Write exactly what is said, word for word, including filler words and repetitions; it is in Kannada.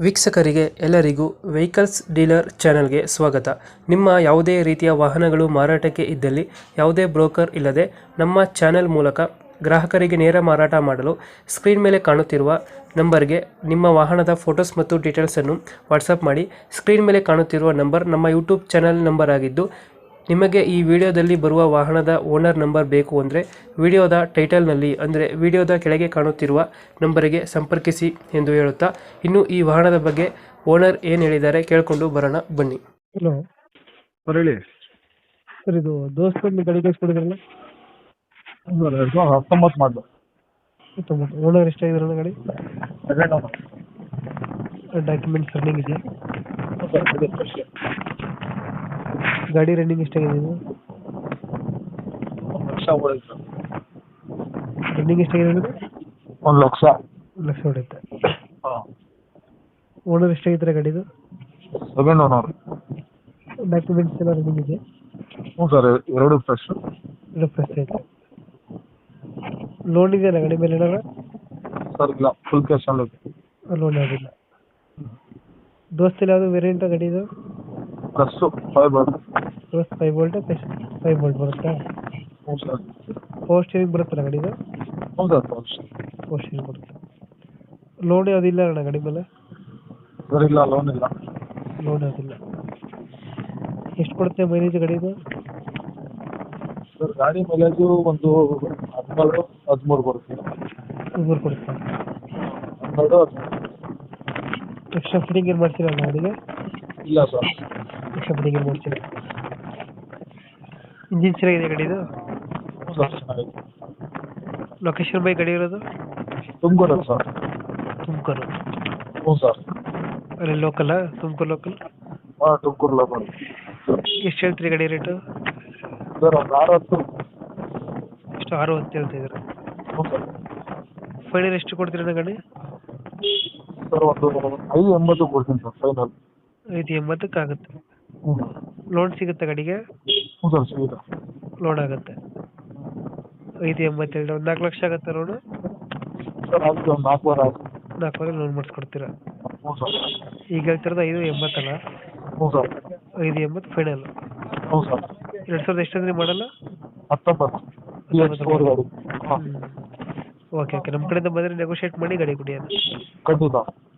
ವೀಕ್ಷಕರಿಗೆ ಎಲ್ಲರಿಗೂ ವೆಹಿಕಲ್ಸ್ ಡೀಲರ್ ಚಾನೆಲ್ಗೆ ಸ್ವಾಗತ. ನಿಮ್ಮ ಯಾವುದೇ ರೀತಿಯ ವಾಹನಗಳು ಮಾರಾಟಕ್ಕೆ ಇದ್ದಲ್ಲಿ ಯಾವುದೇ ಬ್ರೋಕರ್ ಇಲ್ಲದೆ ನಮ್ಮ ಚಾನೆಲ್ ಮೂಲಕ ಗ್ರಾಹಕರಿಗೆ ನೇರ ಮಾರಾಟ ಮಾಡಲು ಸ್ಕ್ರೀನ್ ಮೇಲೆ ಕಾಣುತ್ತಿರುವ ನಂಬರ್ಗೆ ನಿಮ್ಮ ವಾಹನದ ಫೋಟೋಸ್ ಮತ್ತು ಡೀಟೇಲ್ಸನ್ನು ವಾಟ್ಸಪ್ ಮಾಡಿ. ಸ್ಕ್ರೀನ್ ಮೇಲೆ ಕಾಣುತ್ತಿರುವ ನಂಬರ್ ನಮ್ಮ ಯೂಟ್ಯೂಬ್ ಚಾನೆಲ್ ನಂಬರ್ ಆಗಿದ್ದು, ನಿಮಗೆ ಈ ವಿಡಿಯೋದಲ್ಲಿ ಬರುವ ವಾಹನದ ಓನರ್ ನಂಬರ್ ಬೇಕು ಅಂದರೆ ವಿಡಿಯೋದ ಟೈಟಲ್ನಲ್ಲಿ ಅಂದರೆ ವಿಡಿಯೋದ ಕೆಳಗೆ ಕಾಣುತ್ತಿರುವ ನಂಬರಿಗೆ ಸಂಪರ್ಕಿಸಿ ಎಂದು ಹೇಳುತ್ತಾ, ಇನ್ನು ಈ ವಾಹನದ ಬಗ್ಗೆ ಓನರ್ ಏನು ಹೇಳಿದ್ದಾರೆ ಕೇಳಿಕೊಂಡು ಬರೋಣ ಬನ್ನಿ. ಹಲೋ ಸರ್ ಹೇಳಿ. ಸರ್, ಇದು ದೋಸ್ತ ಗಾಡಿ ಕಳಿಸ್ಕೊಡಿದ್ರಲ್ಲ, ಸರ್ ಎರಡು ಸಾವಿರದ ಹತ್ತೊಂಬತ್ತು ಮಾಡಲು ಓನರ್ ಎಷ್ಟಾಗಿದ್ರಲ್ಲ ಗಾಡಿ? Second owner. ಡಾಕ್ಯುಮೆಂಟ್ಸ್ ರನ್ನಿಂಗ್ ಇದೆಯಾ? ಗಾಡಿ ರನ್ನಿಂಗ್ ಎಷ್ಟಾಗಿದೆ ಇದು? ಒಂದು ಲಕ್ಷ ಹೊಡೆಯುತ್ತೆ ಸರ್. ರನ್ನಿಂಗ್ ಎಷ್ಟಾಗಿದೆ? ಒಂದು ಲಕ್ಷ ಒಂದು ಲಕ್ಷ ಹೊಡೆಯುತ್ತೆ. ಹಾಂ. ಓನರ್ ಎಷ್ಟಾಗಿದ್ದಾರೆ ಗಾಡಿದು? Second owner. ಡಾಕ್ಯುಮೆಂಟ್ಸ್ ಎಲ್ಲ ರನ್ನಿಂಗ್ ಇದೆ? ಹ್ಞೂ ಸರ್, ಎರಡು ಫ್ರೆಶ್. ಎರಡು ಫ್ರೆಶ್ ಐತೆ. ಲೋನ್ ಇದೆಯಲ್ಲ ಗಾಡಿ ಮೇಲೆ ಏನಾರ? ಸರ್ ಇಲ್ಲ, ಫುಲ್ ಕ್ಯಾಶ್ ಅಲ್ಲಿ ಇದೆ. ಲೋನ್ ಯಾವುದಿಲ್ಲ. ದೋಸ್ತಿಲ್ಲ ಯಾವುದು ವೇರಿಯಂಟ್ ಗಾಡಿ ಇದು? ಪ್ಲಸ್ಸು ಫೈವ್ ಬರುತ್ತೆ. Plus five volt five volt ಬರುತ್ತಾ? ಹ್ಞೂ ಸರ್. ಪವರ್ ಸ್ಟೀರಿಂಗ್ ಬರುತ್ತಲ್ಲ ಗಾಡಿದು? ಹ್ಞೂ ಸರ್, ಫಸ್ಟ್. ಪವರ್ ಸ್ಟೀರಿಂಗ್ ಬರುತ್ತೆ. ಲೋನ್ ಯಾವುದಿಲ್ಲ ಅಣ್ಣ ಗಾಡಿ ಮೇಲೆ? ಸರ್ ಇಲ್ಲ, ಲೋನ್ ಇಲ್ಲ. ಲೋನ್ ಯಾವುದಿಲ್ಲ. ಎಷ್ಟು ಕೊಡುತ್ತೆ ಮೈಲೇಜ್ ಗಾಡಿದು? ಸರ್ ಗಾಡಿ ಮೈಲೇಜು ಒಂದು ಹದಿನೇಳು ಹದಿಮೂರು ಬರುತ್ತೆ. ಮೂರು ಕೊಡುತ್ತೆ. ಹನ್ನೆರಡು ಹದಿಮೂರು. ಎಕ್ಸ್ಟ್ರಾ ಫಿಟ್ಟಿಂಗ್ ಏನು ಮಾಡ್ತೀರಾ ಗಾಡಿಗೆ? ಇಲ್ಲ ಸರ್. ಎಕ್ಸ್ಟ್ರಾ ಫಿಟ್ಟಿಂಗ್ ಏನು ಮಾಡ್ತೀರಾ? ಇಂಜಿನ್ ಚೆನ್ನಾಗಿದೆ ಗಾಡಿದು? ಹ್ಞೂ ಸರ್, ಚೆನ್ನಾಗಿದೆ. ಲೊಕೇಶನ್ ಬೈ ಗಾಡಿ ಇರೋದು? ತುಮಕೂರು ಸರ್. ತುಮಕೂರು? ಹ್ಞೂ ಸರ್. ಅಲ್ಲಿ ಲೋಕಲ್ಲ? ತುಮಕೂರು ಲೋಕಲ್? ಹಾಂ, ತುಮಕೂರು ಲೋಕಲ್. ಎಷ್ಟು ಹೇಳ್ತೀರಿ ಗಾಡಿ ರೇಟು? ಸರ್ ಒಂದು ಆರು ಹತ್ತು. ಎಷ್ಟು? ಆರು ಹತ್ತು ಹೇಳ್ತಿದ್ದೀರಾ? ಹ್ಞೂ ಸರ್. ಫೈನಲ್ ಎಷ್ಟು ಕೊಡ್ತೀರಣ್ಣ ಗಾಡಿ? ಸರ್ ಒಂದು ಐದು ಎಂಬತ್ತು ಕೊಡ್ತೀನಿ ಸರ್ ಫೈನಲ್. ಐದು ಎಂಬತ್ತಕ್ಕೆ ಆಗುತ್ತೆ. ಹ್ಞೂ. ಲೋನ್ ಸಿಗುತ್ತೆ ಗಾಡಿಗೆ? ಹ್ಞೂ ಸರ್, ಸಿಗುತ್ತೆ. ಲೋನ್ ಆಗುತ್ತೆ. ಐದು ಎಂಬತ್ತೇಳು, ಒಂದು ನಾಲ್ಕು ಲಕ್ಷ ಆಗುತ್ತೆ ಲೋನು? ಸರ್ ಆಗುತ್ತೆ, ಒಂದು ನಾಲ್ಕೂವರೆ ಆಗುತ್ತೆ. ನಾಲ್ಕುವರೆ ಲೋನ್ ಮಾಡಿಸ್ಕೊಡ್ತೀರಾ? ಹ್ಞೂ ಸರ್. ಈಗ ಹೇಳ್ತಿರೋದು ಐದು ಎಂಬತ್ತಲ್ಲ? ಹ್ಞೂ ಸರ್. ಐದು ಎಂಬತ್ತು ಫೈನಲ್. ಹ್ಞೂ ಸರ್. ಎರಡು ಸಾವಿರದ ಎಷ್ಟಂದ್ರೆ ಮಾಡಲ್ಲ? ಹತ್ತೊಂಬತ್ತು. ಪಿ ಎಕ್ಸ್ ಫೋರ್ ಗಾಡಿ. ಹಾಂ. ಓಕೆ ಓಕೆ ನಮ್ಮ ಕಡೆಯಿಂದ ಬಂದರೆ ನೆಗೋಷಿಯೇಟ್ ಮಾಡಿ ಗಾಡಿ ಕೊಡಿ. ಖಂಡಿತ.